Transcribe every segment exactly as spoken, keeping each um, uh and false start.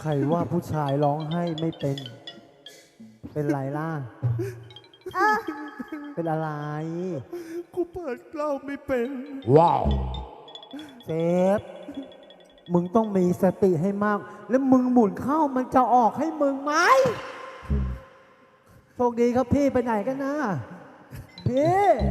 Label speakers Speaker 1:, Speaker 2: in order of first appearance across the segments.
Speaker 1: รว่าผู้ชายร้องไห้ไม่เป็น เป็นไรล่ะ
Speaker 2: เออ
Speaker 1: เป็นอะไร
Speaker 3: กูเปิดเหล้าไม่เป็น
Speaker 4: ว้าว
Speaker 1: เซฟ มึงต้องมีสติให้มาก แล้วมึงหมุนเข้ามันจะออกให้มึงไหมโชคดีครับพี่ไปไหนกันนะ พี่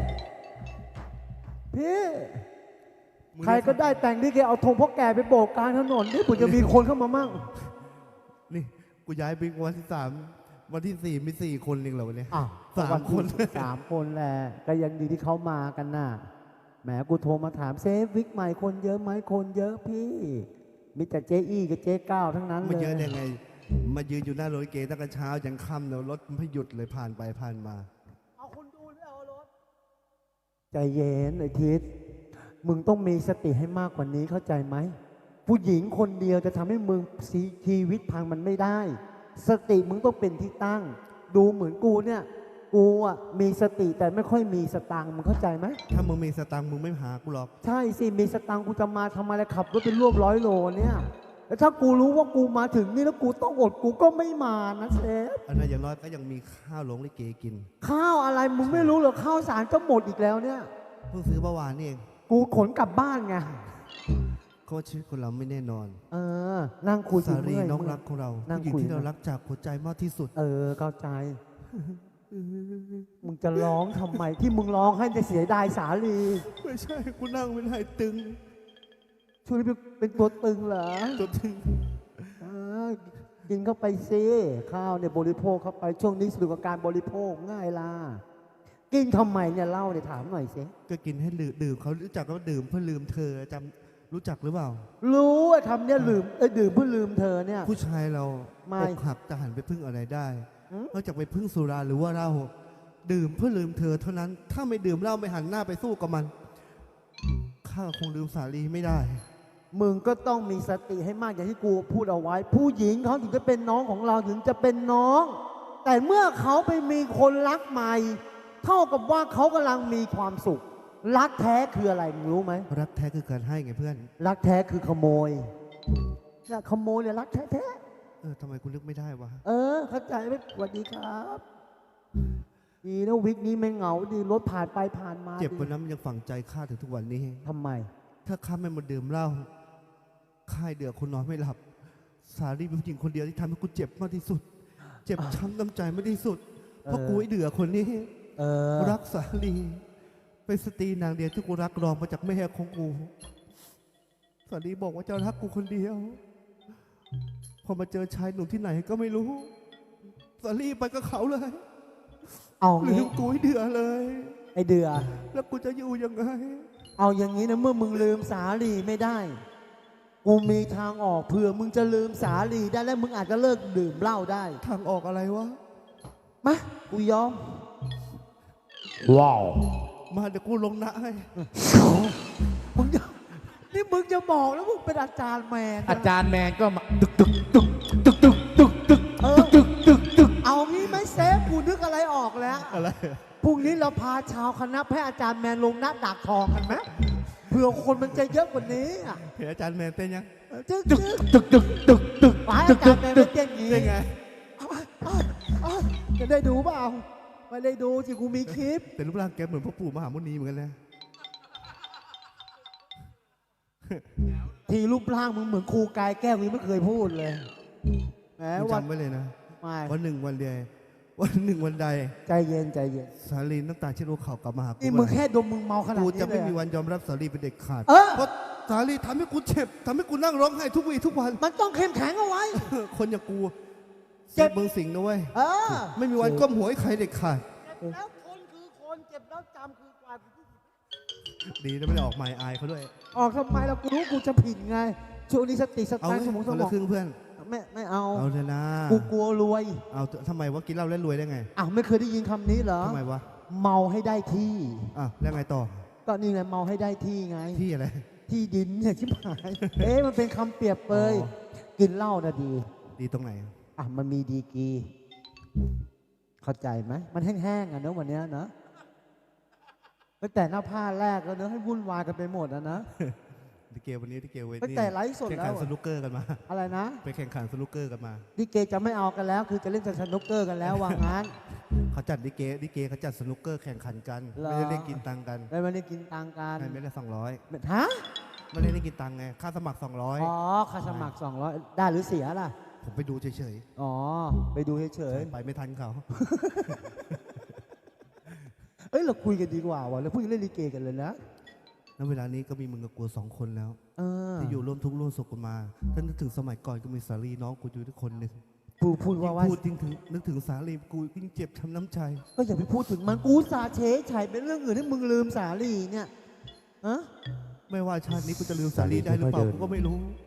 Speaker 1: พี่ ใครก็ได้แต่งที่แกเอาธงพ่อแก่ไปโบกกลางถนนนี่ผมจะมีคนเข้ามามั่ง
Speaker 3: นี่กูย้ายบิ๊กวันที่สามวันที่สี่มีสี่คนเองเหรอวันนี้
Speaker 1: อ้าว
Speaker 3: สามคน
Speaker 1: สามคนแหละก็ยังดีที่เขามากันน่ะแหมกูโทรมาถามเซฟวิกใหม่คนเยอะไหมคนเยอะพี่มีแต่เจ๊อี้กับเจ๊ก้าวทั้งนั้นเลย
Speaker 3: ไม่เยอะได้ไง มายืนอยู่หน้ารถลิเกตั้งแต่เช้ายันค่ำแล้วรถไม่หยุดเลยผ่านไปผ่านมา
Speaker 1: เอาคนดูหรือเอารถใจเย็นไอ้ทิศมึงต้องมีสติให้มากกว่านี้เข้าใจไหมผู้หญิงคนเดียวจะทำให้มึงชีวิตพังมันไม่ได้ สติมึงต้องเป็นที่ตั้ง ดูเหมือนกูเนี่ยกูอ่ะมีสติแต่ไม่ค่อยมีสตังค์มึงเข้าใจไหม
Speaker 3: ถ้ามึงมีสตังค์มึงไม่หากูหรอก
Speaker 1: ใช่สิมีสตังค์กูจะมาทำอะไรขับรถเป็นรวบร้อยโลเนี่ยแล้วถ้ากูรู้ว่ากูมาถึงนี่แล้วกูต้องอดกูก็ไม่มานะเซฟ
Speaker 3: อันนั้นอย่างน้อยก็ยังมีข้าวหลงลิเกกิน
Speaker 1: ข้าวอะไรมึงไม่รู้เหรอข้าวสารก็หมดอีกแล้วเนี่ย
Speaker 3: เพิ่งซื้อเมื่อวานนี่เอง
Speaker 1: กูขนกลับบ้านไง
Speaker 3: เขาว่าชีวิตคนเราไม่แน่นอน
Speaker 1: เออ นั่งคุย
Speaker 3: สารี
Speaker 1: เมื่ย
Speaker 3: น้องรักของเรา
Speaker 1: นั่ง
Speaker 3: ผู้หญิง
Speaker 1: คุย
Speaker 3: ที่เรารักจากหัวใจมากที่สุด
Speaker 1: เออเข้าใจ มึงจะร้องทำไมที่มึงร้องให้จะเสียดายสาลี
Speaker 3: ไม่ใช่กูนั่งเป็นไหตึง
Speaker 1: ช่วยเป็นเป็นตัวตึงเหรอ
Speaker 3: ตัวตึง
Speaker 1: เออกินเข้าไปซิข้าวเนี่ยบริโภคเข้าไปช่วงนี้สนุกกับการบริโภคง่ายล่ะกินทำไมเนี่ยเล่าเนี่ยถามหน่อยสิ
Speaker 3: ก็กินให้ลืมดื่มเขารู้จักว่าดื่มเพื่อลืมเธอจำรู้จักหรือเปล่า
Speaker 1: รู้ไอ้คำเนี่ยลืมเอ้ยดื่มเพื่อลืมเธอเนี่ย
Speaker 3: ผู้ชายเรา
Speaker 1: ไม่
Speaker 3: อกหักจะหันไปพึ่งอะไรได้
Speaker 1: หืม
Speaker 3: นอกจากไปพึ่งสุราหรือว่าเหล้าดื่มเพื่อลืมเธอเท่านั้น ถ้าไม่ดื่มเหล้าไม่หันหน้าไปสู้กับมันข้าคงลืมสาลีไม่ได้
Speaker 1: มึงก็ต้องมีสติให้มากอย่างที่กูพูดเอาไว้ ผู้หญิงเขาถึงจะเป็นน้องของเราถึงจะเป็นน้อง แต่เมื่อเขาไปมีคนรักใหม่ เท่ากับว่าเขากำลังมีความสุข รักแท้คืออะไรมึงรู้ไหม
Speaker 3: รักแท้คือการให้ไงเพื่อน
Speaker 1: รักแท้คือขโมยเนี่ยขโมยเนี่ยรักแท้
Speaker 3: เออทำไมกูนึกไม่ได้วะ
Speaker 1: ๆเออ เข้าใจไหมสวัสดีครับดีนะวิกนี้ไม่เหงาดีรถผ่านไปผ่านมา
Speaker 3: เจ็บ
Speaker 1: ดี
Speaker 3: วันนั้นมันยังฝังใจข้าถึงทุกวันนี้
Speaker 1: ทำไม
Speaker 3: ถ้าข้าไม่มาดื่มเหล้าข้าเดือดคนนอนไม่หลับ สาลีเป็นผู้หญิงคนเดียวที่ทำให้กูเจ็บมากที่สุด เจ็บช้ำน้ำใจมากที่สุด เพราะ
Speaker 1: เออ
Speaker 3: กูไอ้เดือคนนี้
Speaker 1: เออ
Speaker 3: รักสาลีเป็นสตรีนางเดียวที่กูรักรองมาจากแม่ของกูสาลีบอกว่าจะรักกูคนเดียว พอมาเจอชายหนุ่มที่ไหนก็ไม่รู้สาลีไปกับเขาเลย
Speaker 1: เอา
Speaker 3: ลื
Speaker 1: งี้
Speaker 3: มกูไอ้เดือเลย
Speaker 1: ไอเดือ
Speaker 3: แล้วกูจะอยู่ยังไง
Speaker 1: เอาอย่างนี้นะเมื่อมึงลืมสาลีไม่ได้ กูมีทางออกเผื่อมึงจะลืมสาลีได้แล้วมึงอาจจะเลิกดื่มเหล้าได้
Speaker 3: ทางออกอะไรวะ
Speaker 1: มากูยอม
Speaker 4: ว้าว
Speaker 3: มาเดี๋ยวกูลงนะให้
Speaker 1: มึงจะนี่มึงจะบอกแล้วมึงเป็นอาจารย์แมนนะ
Speaker 4: อาจารย์แมนก็มาตึกตึกตึกตึกตึกตึกตึก
Speaker 1: เออ
Speaker 4: ตึกตึกตึก
Speaker 1: เอางี้ไหมเซฟกูนึกอะไรออกแล้ว
Speaker 3: อะไร
Speaker 1: พรุ่งนี้เราพาชาวคณะแพทย์อาจารย์แมนลงหน้าดักทองกันไหมเผื่อคนมันจะเยอะกว่านี้อ่ะ
Speaker 3: เห็นอาจารย์แมนเต้นยัง
Speaker 1: จึ๊ก
Speaker 4: ตึก
Speaker 1: จึ๊ก
Speaker 4: ตึกตึกตึกตึก
Speaker 1: หาย
Speaker 4: ตึ
Speaker 1: อาก จารย์แมน
Speaker 4: ตึ
Speaker 1: ไม่
Speaker 4: ก
Speaker 1: เต้นอย่างนี้
Speaker 3: เต้นไง
Speaker 1: เอาเอาเอาจะได้ดูเปล่าไม่ได้ดูสิกูมีคลิป
Speaker 3: แต่รูปร่างแกเหมือนพ่อปู่มหามุนีเหมือนกันนะ
Speaker 1: ทีรูปร่างมึงเหมือนครูกายแก้วมึงไม่เคยพูดเลยแหม
Speaker 3: มึง
Speaker 1: วัน
Speaker 3: จำไว้เลยนะ
Speaker 1: ไม่
Speaker 3: วันหนึ่งวันใดวันหนึ่งวันใด
Speaker 1: ใจเย็นใจเย็น
Speaker 3: สาลีน้ำตาเช็ดหัวเข่ากลับมาหากู
Speaker 1: นี่มึงแค่ดมมึงเมาขนาด
Speaker 3: กู
Speaker 1: นี้
Speaker 3: จะไม่
Speaker 1: เลย
Speaker 3: มี
Speaker 1: อะ
Speaker 3: วันยอมรับสาลีเป็นเด็กขาด
Speaker 1: เออ
Speaker 3: เพราะสาลีทำให้กูเจ็บทำให้กูนั่งร้องไห้ทุกวีทุกวัน
Speaker 1: มันต้องเข้มแข็งเอาไว้
Speaker 3: คนอย่างกู
Speaker 1: เจ็
Speaker 3: เจ็
Speaker 1: บ
Speaker 3: บเมืองสิงห์นะเว้ย
Speaker 1: เออ
Speaker 3: ไม่มีวันก้มหัวให้ใครเด็กขาด
Speaker 1: เจ็บแล้วคนคือคนเจ็บแล้วจำคือกว่า
Speaker 3: ดีนะไม่ได้ออกหมายอายเขาด้วย
Speaker 1: ออกทำไมเรากูรู้กูจะผิดไงช่วงนี้สติส
Speaker 3: เอา
Speaker 1: ตัง
Speaker 3: ไหม
Speaker 1: ค์สมองส
Speaker 3: คน
Speaker 1: ม
Speaker 3: ละ
Speaker 1: อง
Speaker 3: ครึ่งเพื่อน
Speaker 1: ไม่ไม่เอา
Speaker 3: เอาเลยนะ
Speaker 1: กูกลัวรวย
Speaker 3: เอาทำไมวะกินเหล้าแล้วรวยได้ไง
Speaker 1: อ้าวไม่เคยได้ยินคำนี้เหรอ
Speaker 3: ทำไมวะ
Speaker 1: เมาให้ได้ที่
Speaker 3: อ่ะแล้วไงต่อ
Speaker 1: ก็นี่ไงเมาให้ได้ที่ไง
Speaker 3: ที่อะไร
Speaker 1: ที่ดินเนี่ยชิบหาย เอ๊ะมันเป็นคำเปรียบเปย
Speaker 3: อ๋อ
Speaker 1: กินเหล้านะดี
Speaker 3: ดีตรงไหน
Speaker 1: อ่ะมันมีดีกรีเข้าใจไหมมันแห้งๆอ่ะเนอะวันเนี้ยนะตั้งแต่หน้าผ้าแรกแล้วเนอะให้วุ่นวายกันไปหมดอ่ะนะ
Speaker 3: ลิเกวันนี้ลิเกเว
Speaker 1: ตั้ง
Speaker 3: ที
Speaker 1: แต่ไลฟ์สด
Speaker 3: แข่ง
Speaker 1: แล้
Speaker 3: ขัน
Speaker 1: ว
Speaker 3: สนุกเกอร์กันมา
Speaker 1: อะไรนะ
Speaker 3: ไปแข่งขันสนุกเกอร์กันมา
Speaker 1: ลิเกจะไม่เอากันแล้ว คือจะเล่นแต่สนุกเกอร์กันแล้วว่างั้น
Speaker 3: เขาจัดลิเกลิเกเขาจัดสนุกเกอร์แข่งขันกัน
Speaker 1: เหรอ
Speaker 3: ไม่ได้เล่นกินตังค์กัน
Speaker 1: ได้มาได้กินตังค์กัน
Speaker 3: ให้ไม่ได้สองร้อย
Speaker 1: ฮะ
Speaker 3: ไม่ได้เล่นกินตังค์ไงค่าสมัครสองร้อย
Speaker 1: อ๋อค่าสมัครสองร้อยได้หรือเสียล่ะ
Speaker 3: ผมไปดูเฉย
Speaker 1: อ๋อ ไปดูเฉย
Speaker 3: ๆไปไม่ทันเขา
Speaker 1: ๆเอ้ย เราคุยกันดีกว่าว่ะเราพูดเรื่องลิเกกันเลยนะ
Speaker 3: ณเวลานี้ก็มีมึงกับกูสองคนแล้ว
Speaker 1: เออ
Speaker 3: ที่อยู่ร่วมทุกข์ร่วมสุขกันมาถ้านึกถึงสมัยก่อนก็มีสาลีน้องกูอยู่ทุกคนหนึ่ง
Speaker 1: พูดพูด
Speaker 3: ยิ่
Speaker 1: ว่าง ว่า
Speaker 3: พูดยิ่งถึงนึกถึงสาลีกูยิ่งเจ็บช้ำน้ำใจ
Speaker 1: ก็อย่าไปพูดถึงมันกูสาเฉยฉายเป็นเรื่องอื่นให้มึงลืมสาลีเนี่ยฮะ
Speaker 3: ไม่ว่าชาตินี้กูจะลืมสาลีได้หรือเปล่ากูก็ไม่รู้